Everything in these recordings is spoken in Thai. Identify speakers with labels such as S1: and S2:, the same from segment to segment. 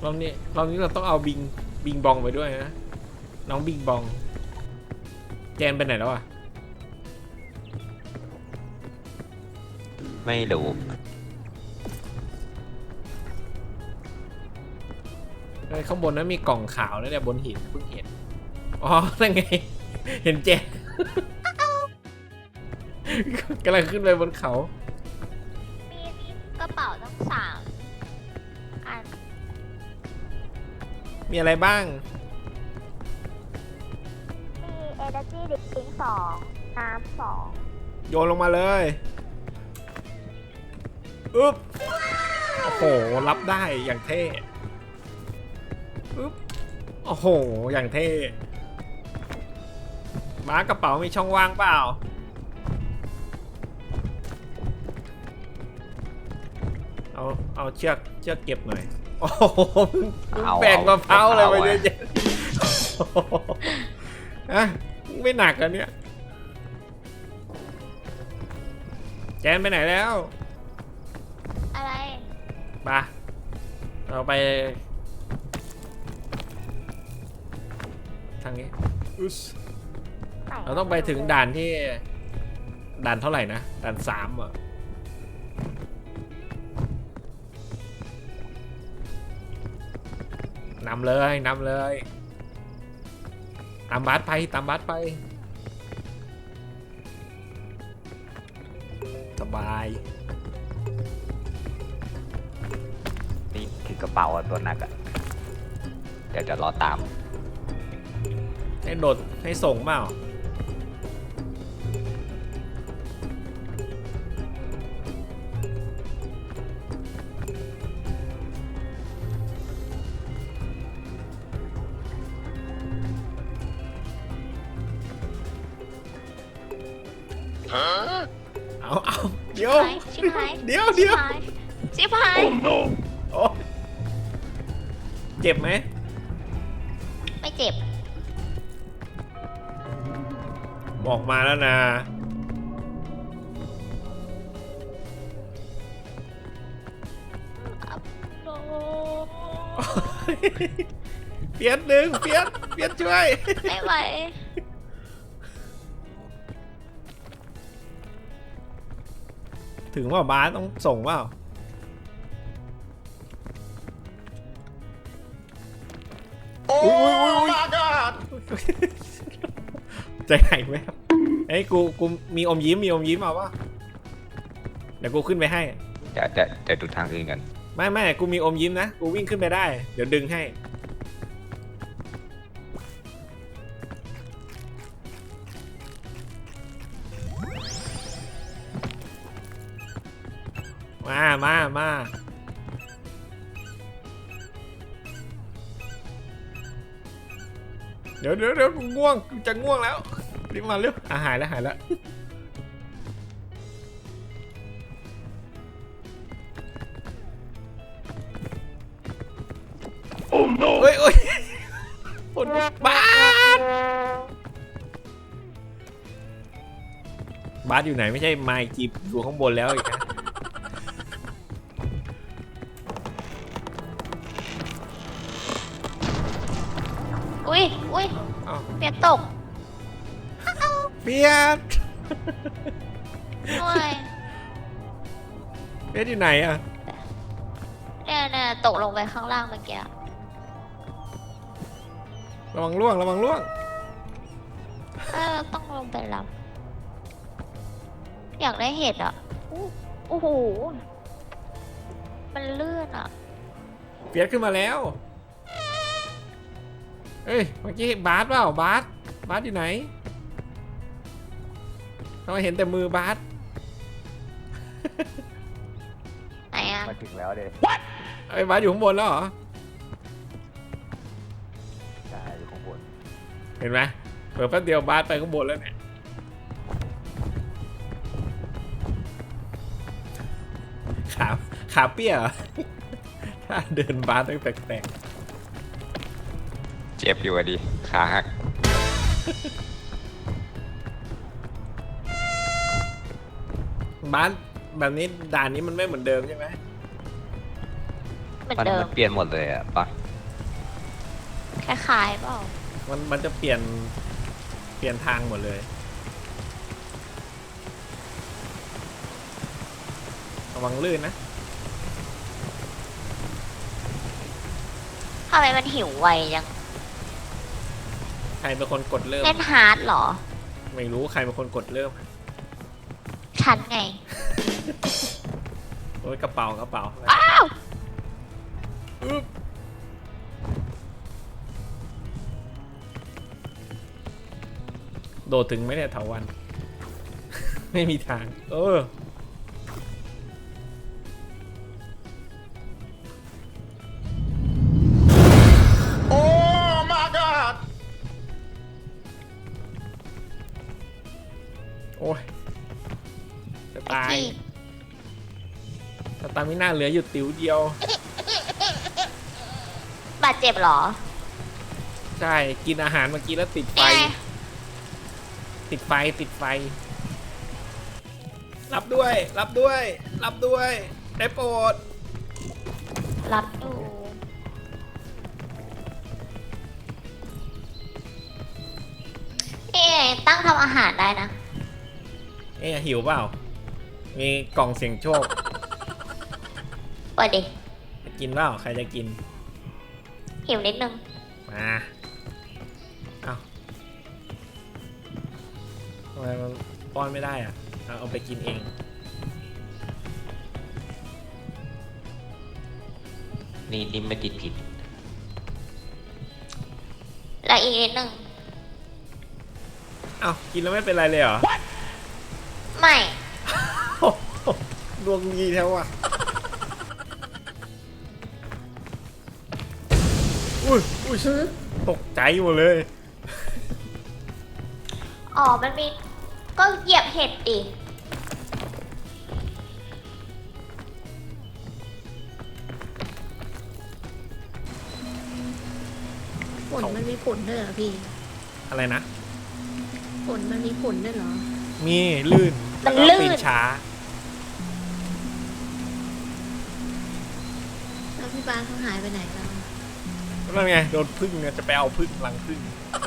S1: รอบนี้เราต้องเอาบิงบองไปด้วยนะน้องบิงบองแจนไปไหนแล้วอ่ะ
S2: ไม่รู้
S1: ข้างบนนั้นมีกล่องขาวนะเนี่ยบนหินเพิ่งเห็นอ๋อนั่นไงเห็นแจน กำลังขึ้นไปบนเขา
S3: มีกระเป๋าต้องอัน
S1: มีอะไรบ้าง
S3: มี Energy Drink 2 น้ำ2
S1: โยนลงมาเลยอึ๊บโอ้โหรับได้อย่างเท่อึ๊บโอ้โหอย่างเท่ม้ากระเป๋ามีช่องว่างเปล่าเอาเชือกเก็บหน่อยโอ้โหแบกมะพร้าวอะไรมาเยอะแยะอะไม่หนักกันเนี่ยแจนไปไหนแล้ว
S3: อะไร
S1: มาเราไปทางนี้เราต้องไปถึงด่านที่ด่านเท่าไหร่นะด่าน3อ่ะนำเลยตามบัสไปสบาย
S2: นี่คือกระเป๋าตัวหนักอะเดี๋ยวจะรอตาม
S1: ให้โดดให้ส่งเปล่าเอาเดี๋ยว
S3: ชิบหาย
S1: เดี๋ยว
S3: ชิบหาย
S1: โอ้เจ็บไหม
S3: ไม่เจ็บ
S1: บอกมาแล้วนะเปียดหนึ่งเปียดช่วย
S3: ไม่ไหว
S1: ถึงว่าบาสต้องส่งเปล่าอุ้ยใจหายไหมครับเอ้ยกูมีอมยิ้มเอาป่ะเดี๋ยวกูขึ้นไปให้
S2: จะดูทางอื่นกัน
S1: ไม่กูมีอมยิ้มนะกูวิ่งขึ้นไปได้เดี๋ยวดึงให้มาเดี๋ยวกูง่วงกูจะง่วงแล้วรีบมาเร็วหายแล้วโอ้ no เฮ้ยคนบาสอยู่ไหนไม่ใช่ไมค์จีบอยู่ข้างบนแล้วอีกนะ
S3: อุ้ยเปียกตก
S1: เปียด
S3: ด้วย
S1: เปียดอยู่ไหนอะ
S3: เนี่ยตกลงไปข้างล่างเมื่อกี้
S1: ระวังล่วง
S3: ต้องลงไปรับอยากได้เห็ดอ่ะโอ้โหมันเลื่อนอ่ะ
S1: เปียดขึ้นมาแล้วเอ้ยเมื่อกี้บาสเปล่าบาสอยู่ไหนเราเห็นแต่มือบาส
S3: ไหนอ่ะ
S2: มาถึงแล้วเด็ก
S1: ไอ้บาสอยู่ข้างบนแล้วเหรอ
S2: ใช่อยู่ข้างบน
S1: เห็นไหมเปิดแป๊บเดียวบาสไปข้างบนแล้วเนี่ยขาเปี้ยเหรอ ถ้าเดินบาสต้องแปลก
S2: เจ็บอยู่อะดิขาหัก
S1: บาสแบบนี้ด่านนี้มันไม่เหมือนเดิมใช่ไหม
S3: เหมือน
S2: มัน
S3: เดิม
S2: เปลี่ยนหมดเลยอะปะ
S3: คล้ายๆเปล่า
S1: มันจะเปลี่ยนทางหมดเลยระวังลื่นนะ
S3: ทำไมมันหิวไวจัง
S1: ใครเป็นคนกดเริ่ม
S3: เล่นฮาร์ดเหรอ
S1: ไม่รู้ใครเป็นคนกดเริ่ม
S3: ฉันไง
S1: โอ้ยกระเป๋า
S3: อ้าว
S1: อึ๊บโดดถึงไหมเนี่ยเถาวัน ไม่มีทาง โอ้ my god โอ้ยจะ
S3: ไอ้
S1: ตาย
S3: ที่
S1: สตามิน่าเหลืออยู่ติ๋วเดียว
S3: บาดเจ็บเหรอ
S1: ใช่ กินอาหารเมื่อกี้แล้วติดไฟ
S3: นี่ไง
S1: ติดไฟ รับด้วย ได้โปรด
S3: รับดูนี่ไงตั้งทำอาหารได้นะ
S1: หิวเปล่า มีกล่องเสียงโชค
S3: เปิดดิ
S1: จะกินเปล่า ใครจะกิน
S3: หิวนิดนึง
S1: มาเอาทำไมมันป้อนไม่ได้อ่ะ เอาไปกินเอง
S2: นี่ไม่ติดผิด
S3: แล้วอีกนิดนึง
S1: เอากินแล้วไม่เป็นไรเลยเหรอ
S3: ไม่
S1: ดวงดีแท้ว่ะ อุ้ยตกใจหมดเลย
S3: อ๋อ มันมี ก็เหยียบเห็ดดิ
S4: ผลมันมีผลด้วยเหรอพี่
S1: อะไรนะ
S4: ผลมันมีผลด้วยเหรอ
S1: มีลื่น
S3: มัน
S1: แล้วก็
S3: ลื่น
S1: ปีนช้า
S4: แล้วพี่บ้านเขาหายไปไหนแล้ว
S1: นั่นไงโดนพึ่งเนี่ยจะไปเอาพึ่งรังพึ่ง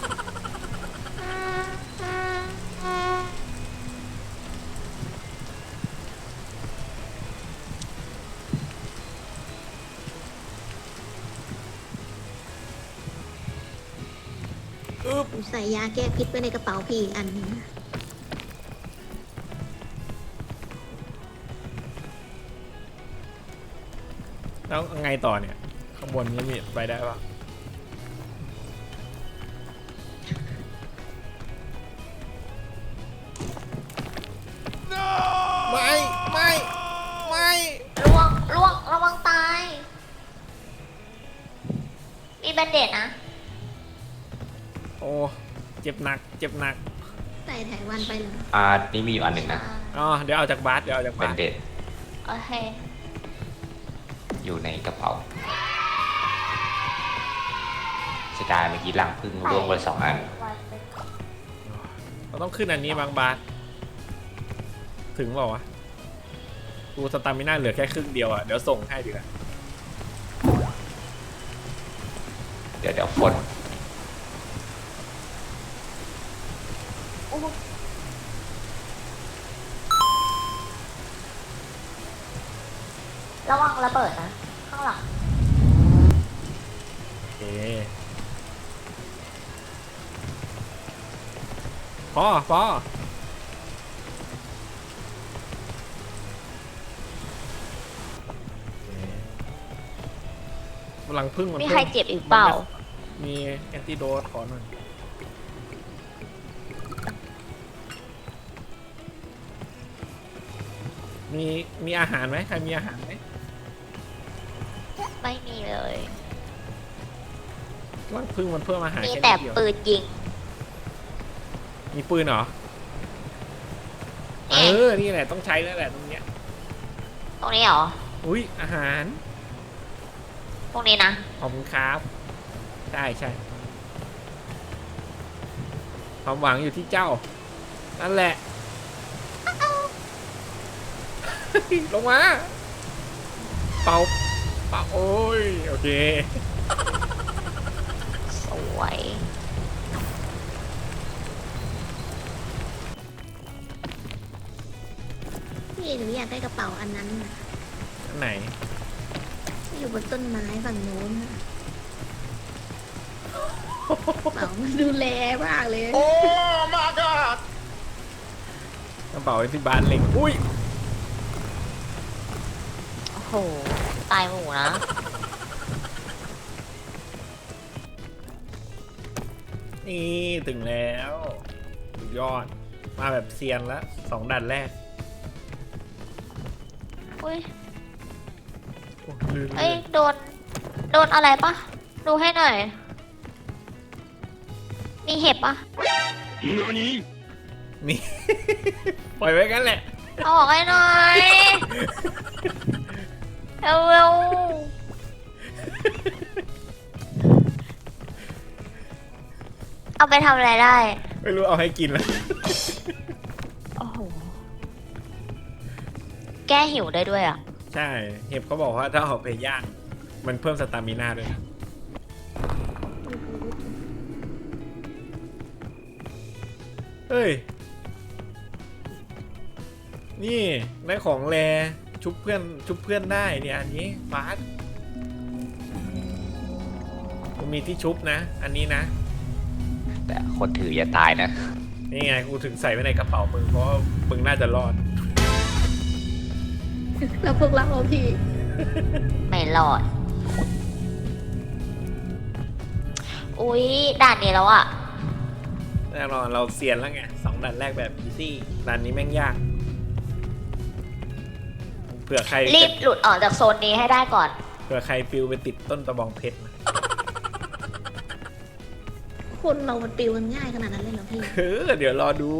S4: ผมใส่ยาแก้พิษไว้ในกระเป๋าพี่อีกอันหนึงนะ
S1: แล้วไงต่อเนี่ย ข้างบนนี้มีไปได้ปะไม่
S3: ล่วงระวังตาย มีแบนเดตนะ
S1: โอ้เจ็บหนัก
S4: ใส่ไถวันไปเลย
S2: นี่มีอยู่อันหนึ่งนะ
S1: อ๋อเดี๋ยวเอาจากบาส
S2: เป็นเด็ด
S3: โอเค
S2: อยู่ในกระเป๋าเสียดายเมื่อกี้ลังพึ่งร่วงไป2 อัน
S1: เราต้องขึ้นอันนี้บางบาสถึงเปล่าวะกูสตามิน่าเหลือแค่ครึ่งเดียวอ่ะเดี๋ยวส่งให้ดีกว่า
S2: เดี๋ยวฝน
S3: ระวังระเบิดนะ ข้างหลัง
S1: โอเคพอพลังพึ่งมัน
S3: มี
S1: เพิ่
S3: ใครเจ็บอีกเปล่า
S1: มีแอนติโดสขอหน่อยมีอาหารไหมใครมีอาหารไหม
S3: ไม่มีเลย
S1: พลังพึ่งมันเพิ่มอาหาร
S3: มี
S1: แค่
S3: แต่
S1: นิดเดียว
S3: ปืนยิง
S1: มีปืนเหรอ
S3: เนี่ย
S1: นี่แหละต้องใช้แล้วแหละตรงเนี้ย
S3: ตรงนี้เหรอ
S1: อุ้ยอาหาร
S3: ตรงนี้นะ
S1: ขอบคุณครับใช่ความหวังอยู่ที่เจ้า นั่นแหละ ลงมา เป่าป๋าโอ้ยโอเค
S3: สวย
S4: พี่หนูอยากได้กระเป๋าอันนั้นน่ะ
S1: อันไหน
S4: ที่อยู่บนต้นไม้ฝั่งโน้นน่ะกระเป๋ามันดูแลมากเลย
S1: กระเป๋าที่บ้านเล็งอุ้ย
S3: โอ้โห ตายหมู่นะ
S1: นี่ถึงแล้วสุดยอดมาแบบเซียนแล้ว2ด่านแรก
S3: อุ้ย
S1: โอ้ลื่น
S3: เอ้ย โดนอะไรปะ ดูให้หน่อย มีเห็บปะ
S1: นี่ ปล่อยไว้กันแหละ
S3: เอาออกให้หน่อยเร็วๆเอาไปทำอะไรได้
S1: ไม่รู้เอาให้กินแล้ว
S3: โอ้โห แก้หิวได้ด้วยอ่ะ
S1: ใช่เห็บเขาบอกว่าถ้าเอาไปย่างมันเพิ่มสตามิน่าด้วยนะเฮ้ย นี่ได้ของแรชุบเพื่อนได้เนี่ยอันนี้ฟาสกูมีที่ชุบนะ อันนี้นะ
S2: แต่คนถืออย่าตายนะ
S1: นี่ไงกูถึงใส่ไว้ในกระเป๋ามึงเพราะว่ามึงน่าจะรอด
S4: แล้วพวกเราพี่
S3: ไม่รอด อุ๊ย ด่านนี้แล้วอ่ะ
S1: แน่นอนเราเซียนแล้วไง2ด่านแรกแบบอีซี่ด่านนี้แม่งยากเผื่อใคร
S3: รีบหลุดออกจากโซนนี้ให้ได้ก่อน
S1: เผื่อใครฟิวไปติดต้นตะบองเพชรนะ
S4: คนเรามันปิวกันง่ายขนาดนั้นเลยเหรอพี่
S1: เดี๋ยวรอดู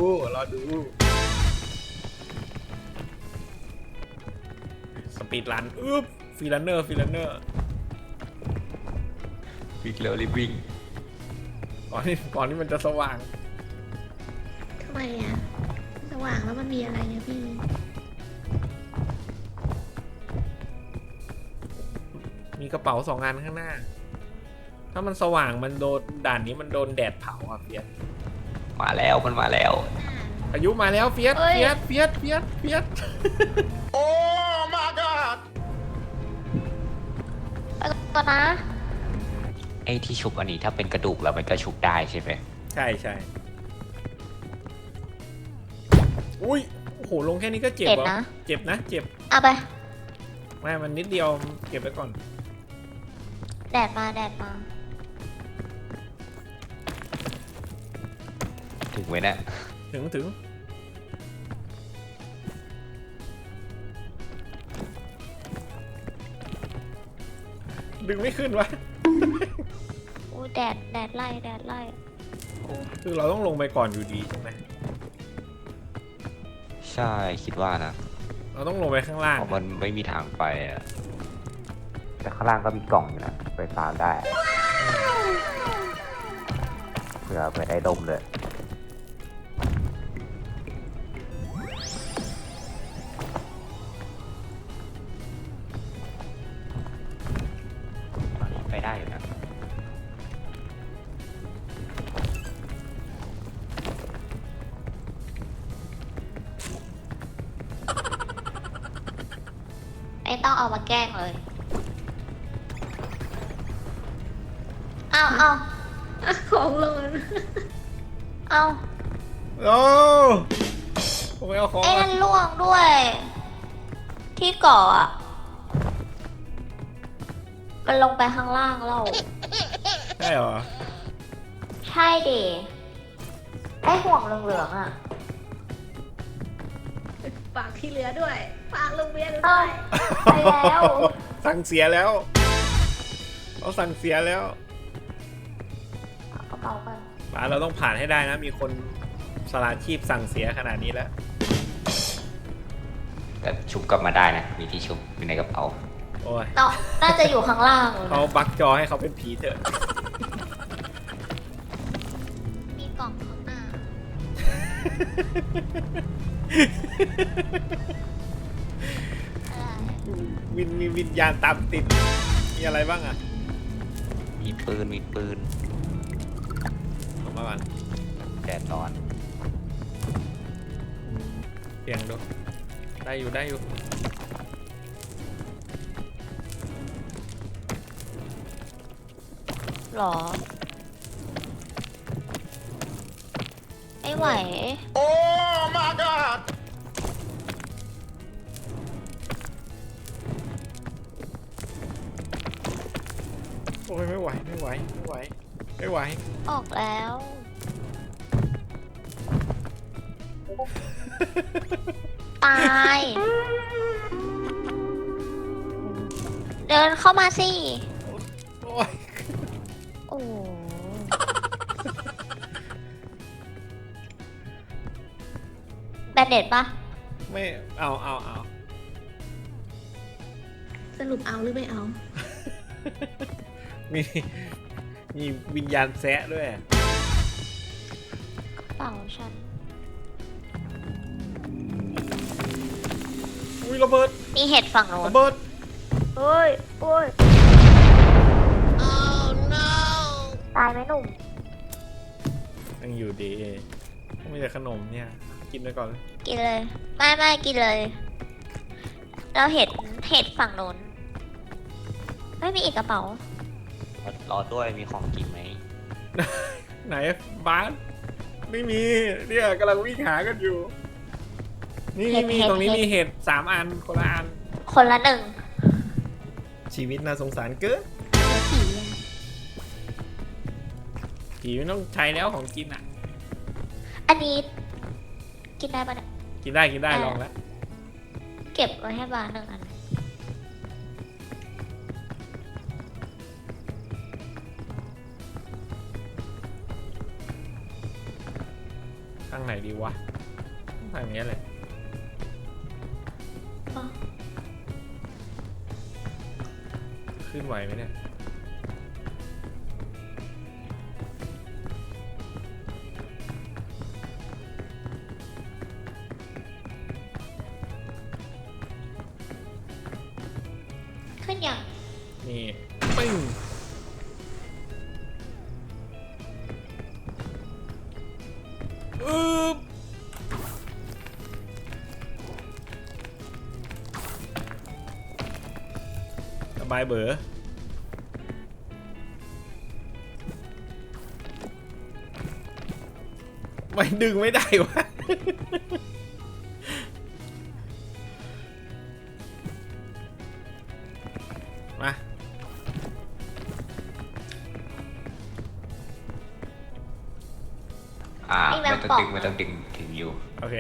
S1: สปีดรันอึ๊บฟีลันเนอร์
S2: วิ่งเร็วรีบวิ่ง
S1: ก่อนที่มันจะสว่าง
S4: ทำไมอ่ะ สว่างแล้วมันมีอะไรเนี่ยพี่
S1: มีกระเป๋า2 อันข้างหน้า ถ้ามันสว่างมันโดนด่านนี้มันโดนแดดเผาอ่ะเฟียส
S2: มาแล้วมันมาแล้ว
S1: อายุมาแล้วเฟียส
S3: เอ้ย
S1: เฟียส โอ้ my god
S3: ไปก่อนนะ
S2: ไอ้ที่ชุบอันนี้ถ้าเป็นกระดูกแล้วมันก็ชุบได้ใช่ไหม
S1: ใช่อุ้ยโอ้โหลงแค่นี้ก็เจ็บ
S3: เจ็บ
S1: เหรอ
S3: นะ
S1: เจ็บนะเจ็บ
S3: เอาไป
S1: ไม่มันนิดเดียวเก็บไว้ก่อน
S3: แดดมา
S2: ถึงไหมเนะ
S1: ถึงดึงไม่ขึ้นวะ
S3: อู้แดดไล่
S1: คือเราต้องลงไปก่อนอยู่ดีใช่ไหม
S2: ใช่คิดว่านะ
S1: เราต้องลงไปข้างล่าง
S2: เพราะมันไม่มีทางไปอะแต่ข้างล่างก็มีกล่องอยู่นะไปฟาร์มได้เผื่อไปได้ดมเลยไปได้อยู่นะ
S3: ไม่ต้องเอามาแกล้งเลย เอา
S4: ของหล่น
S3: เอา
S1: โอ้ผมไม่เอาของ
S3: ไอ้นั่นล่วงด้วย ที่เกาะอ่ะ มันลงไปข้างล่างแล้ว
S1: ใช่เหรอ
S3: ใช่ดิไอ้ห่วงเหลืองๆอ่ะ
S4: ฝากที่เหลือด้วย ฝากลุงเบียร์ด้
S3: เอ้า
S4: วย
S3: ไปแล้ว
S1: สั่งเสียแล้วเขาสั่งเสียแล้ว
S3: เอากระเป๋ากัน
S1: มาเราต้องผ่านให้ได้นะ มีคนสละชีพสั่งเสียขนาดนี้แล้ว
S2: แต่ชุบกลับมาได้นะ มีที่ชุบอยู่ในกระเป๋า
S1: โอ้ย
S3: เนาะน่าจะอยู่ข้างล่าง
S1: เขาบักจอให้เขาเป็นผีเถอะ
S3: มีกล่องข้างหน้าอะไร
S1: มีวิญญาณตามติด มีอะไรบ้างอะ
S2: มีปืน
S1: ออกมาก่อน
S2: แดดร้อน
S1: เสียงดูได้อยู่ได้อยู่
S3: หรอ ไม่ไหว
S1: โอ้ยไม่ไหวไม่ไหวไม่ไหวไม่ไหว
S3: ออกแล้ว ตาย เดินเข้ามาสิ
S1: โอ้ย
S3: โอ้โหแบนเด็ดปะ
S1: ไม่เอา
S4: สรุปเอาหรือไม่เอา
S1: มีมีวิญญาณแซะด้วย
S3: กระเป๋าฉัน
S1: อุ้ยระเบิด
S3: มีเห็ดฝั่งโน้น
S1: ระเบิด
S3: เฮ้ยโอ้ย ตายไหมหนุ่ม
S1: ยังอยู่ดีไม่แต่ขนมเนี่ยกินไปก่อนเลย
S3: กินเลย ไม่กินเลย เราเห็ดฝั่งโน้นไม่มีอีกกระเป๋า
S2: รอด้วยมีของกินไหม
S1: ไหนบ้านไม่มีเนี่ยกำลังวิ่งหากันอยู่ นี่
S3: เห็ด
S1: มี
S3: เห็ด
S1: ตรงนี้
S3: เห็ด
S1: มีเห็ด3 อันคนละอัน
S3: คนละหนึ่ง
S1: ชีวิตน่าสงสารเกิน
S4: แล้วผีอะ
S1: ผีไม่ต้องใช้แล้วของกินอ่ะ
S3: อันนี้ กินได้ปะเนี่ย
S1: กินได้ลองแล้ว
S3: เก็บไว้ให้บ้านหนึ่งอัน
S1: ทางไหนดีวะทางนี้แหละ
S3: อ๋อ
S1: ขึ้นไหวไหมเนี่ย
S3: ขึ้นอย่าง
S1: นี่ปึ้งอึ๊บสบายเบอไม่ดึงไม่ได้วะ มา
S2: ไม่ต้องดึงถึงอยู่
S1: โอเค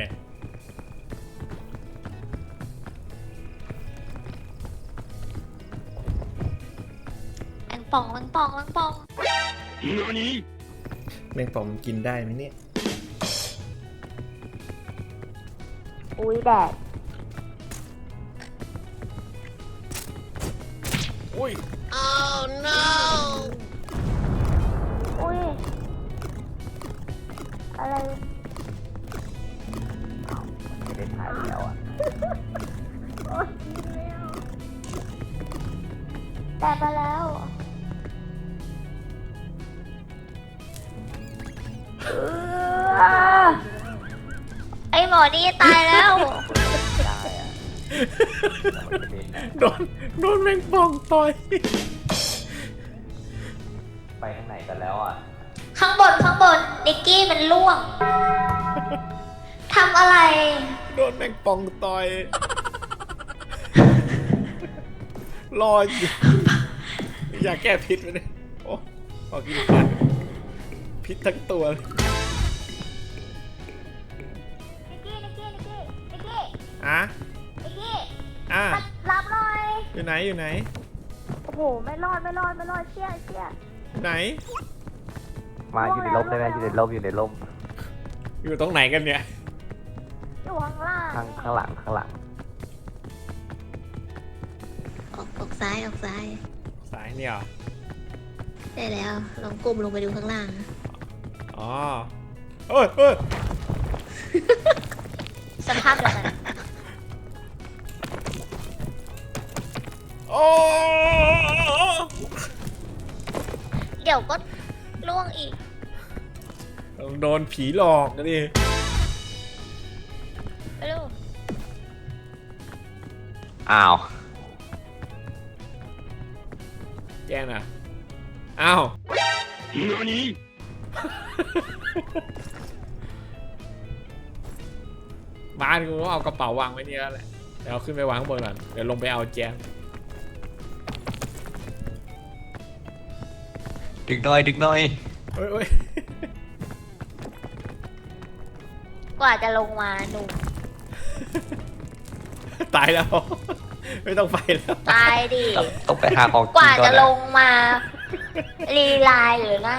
S3: แมงป่อง
S1: แมงป่องกินได้ไหมเนี่ย
S3: อุ้ยแดด
S1: อุ้ย
S3: อุ้ย อะไร
S2: ไม่ได้ถ่ายแล้วอ่ะ
S3: แดดมาแล้ว ไอหมอนี่ตายแล้ว
S2: ได้อ่ะมันจะเป็นนะ
S1: โดนแมงป่องต่อย
S2: ไปข้างไหนกันแล้วอ่ะ
S3: ข้างบนนิกกี้มันล่วง ทำอะไร
S1: โดนแมงป่องต่อย รออยู่อยากแก้พิษไหมเนี่ยโอ้ขอกินฟันพิษทั้งตัวเลย
S3: นิกกี้
S1: อ่ะอ่ะ
S3: รับหน่อย
S1: อยู่ไหน
S3: โอ้โห ไม่รอดเชี่ย
S1: ไหน
S2: มาอยู่ในร่มได้ไหมอยู่ในร่ม
S1: อยู่ตรงไหนกันเนี่ย
S3: อยู่ข้างล่าง
S2: ข้างหลัง
S4: ออกซ้าย
S1: สายเนี่ยเหรอ
S4: ได้แล้ว ลองก้มลงไปดูข้างล่าง
S1: อ๋อเอ้ย
S3: สภาพเดียวกัน
S1: โอ้
S3: เดี๋ยวก็ล่วงอีก
S1: โดนผีหลอกนะดิ
S3: ไปดู
S2: อ้าว
S1: แกน่ะอ้าวบ้านกูก็เอากระเป๋าวางไว้นี่แล้วแหละเดี๋ยวเอาขึ้นไปวางข้างบนก่อนเดี๋ยวลงไปเอาแจม
S2: ดึกหน่อยดึกหน่อย
S1: เฮ้ย
S3: กว่าจะลงมาหนุ่ม
S1: ตายแล้ว ไม่ต้องไปแล้ว
S3: ตายดิ
S2: ต้องไปหาของ
S3: ก
S2: กิน
S3: ว่า
S2: ก่อ
S3: จะ
S2: น
S3: ล
S2: นะ
S3: งมารีไลน์หรือนั่น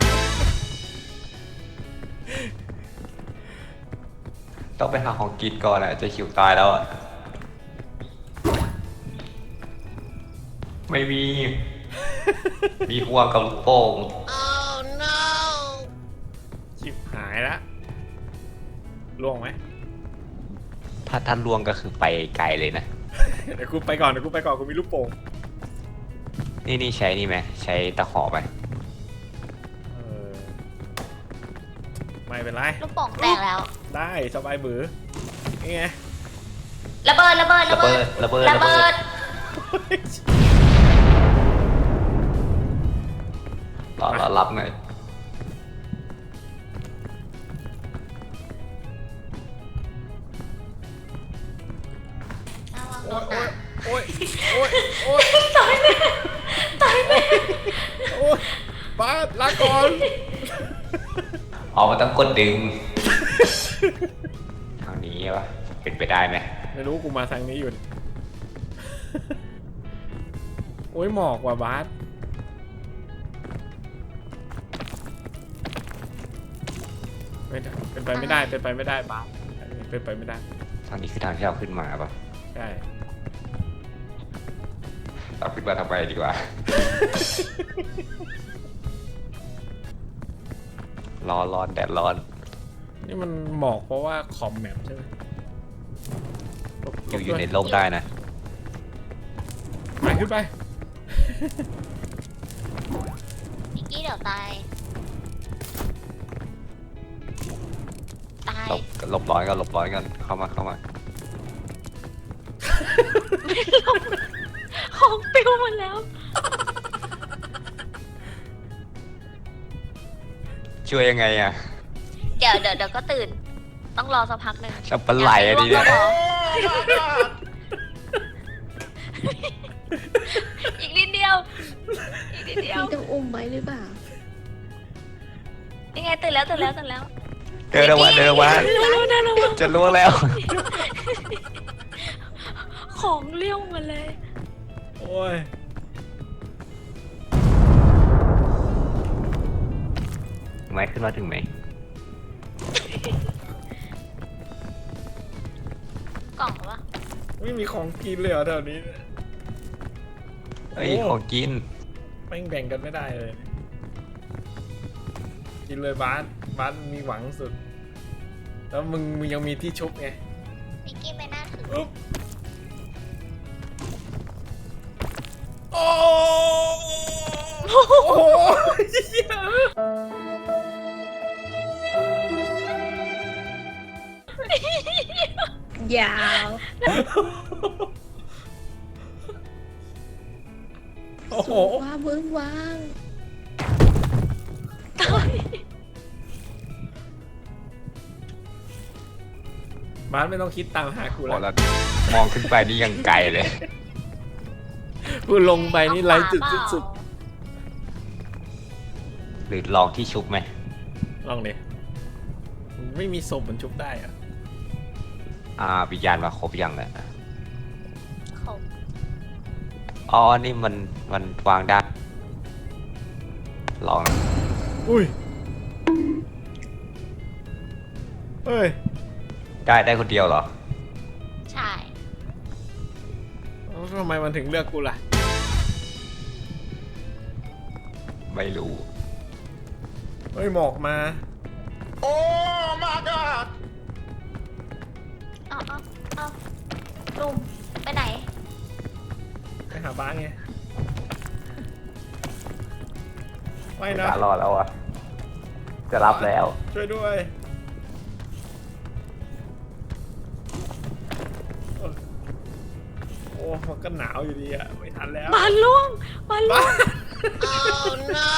S2: ต้องไปหาของกินก่อนอะจะหิวตายแล้วอะไม่มี มีห่วงกับลูกโป่ง
S1: ชิบหายละล่วงไหม
S2: ถ้าท่านลวงก็คือไปไกลเลยนะ
S1: เดี๋ยวกูไปก่อนกูมีลูกโป่ง
S2: นี่ใช้นี่ไหมใช้ตะขอไป
S1: เออไม่เป็นไร
S3: ลูกโป่งแตกแล้ว
S1: ได้สบายบือนี่ไง
S3: ระเบิด
S2: ระเบิด
S3: ระเบิด
S2: รอรับหน่อย
S1: โอ้ยโอ้ยโอ้ยตายเลยโอ้ยป้าลาก่อน
S2: ออกมาต้องกดดึง ทางนี้ปะเป็นไปได้ไหม
S1: ไม่รู้กูมาทางนี้อยู่โอ้ยหมอกว่ะบาสไม่ได้เป็นไปไม่ได้บาสเป็นไปไม่ได้
S2: ทางนี้คือทางที่เราขึ้นมาปะ
S1: ใช่
S2: เราขึ้นมาทำไมดีกว่า ร้อนแดดร้อน
S1: นี่มันหมอกเพราะว่าคอมแมปใช่ไหม
S2: อยู่ในร่มได้นะ
S1: ไปขึ้นไป
S3: อีกกี้เดี๋ยวตาย ตาย
S2: หลบร้อนกันเข้ามา
S3: ของปิวหมดแล้ว
S2: ช่วยยังไงอะ
S3: เดี๋ยวก็ตื่น ต้องรอสักพักหนึ่ง
S2: จะปลาไหลอะดี
S3: อยาก
S2: นะ
S3: ให้ร่วงก็รออีกนิดเดียว
S4: พี่ต้องอุ้มไว้หรือเปล่า
S3: ยังไงตื่นแล้ว
S2: เดินออกมาจะล่วงแล้ว
S3: ของเลี้ยวมาเลย
S1: โอ้ย
S2: ไม่ขึ้นมาถึงไหม
S3: กล่องวะ
S1: ไม่มีของกินเลยเหรอแถวนี้
S2: เฮ้ยของกิน
S1: แม่งแบ่งกันไม่ได้เลย กินเลยบาสมีหวังสุด แล้วมึงยังมีที่ชุบไง
S3: นิกกี้ไม่น่าถือ
S1: อุ๊บโอ้โห
S4: ยาว
S1: โอ้โห
S4: ว่าเบิ้งวาง
S1: บาสไม่ต้องคิดตามหากู
S2: พอ
S1: แล้ว
S2: แล้วมองขึ้นไปนี่ยังไกลเลย
S1: กูลงไปนี่ไร้จุดสิ้นสุด
S2: หรือลองที่ชุบไหม
S1: ลองดิไม่มีศพมันชุบได้อะ
S2: วิญญาณมาครบยังเนี่ย
S3: เขา
S2: อ๋อนี่มันวางได้ลอง
S1: อุ้ยเฮ้ย
S2: ได้คนเดียวเหรอ
S3: ใช่
S1: แล้วทำไมมันถึงเลือกกูล่ะ
S2: ไม่รู้
S1: เฮ้ยหมอกมา โอ้ my god
S3: เอาลุงไปไหน
S1: ไปหาบ้านไงไม่
S2: ไม่
S1: นะ
S2: กล้ารอดแล้วอ่ะ จะรับแล้ว
S1: ช่วยด้วยโอ้มันก็หนาวอยู่ดีอะไม่ทันแล้ว
S3: บานล่วงบานล่วง
S4: Oh no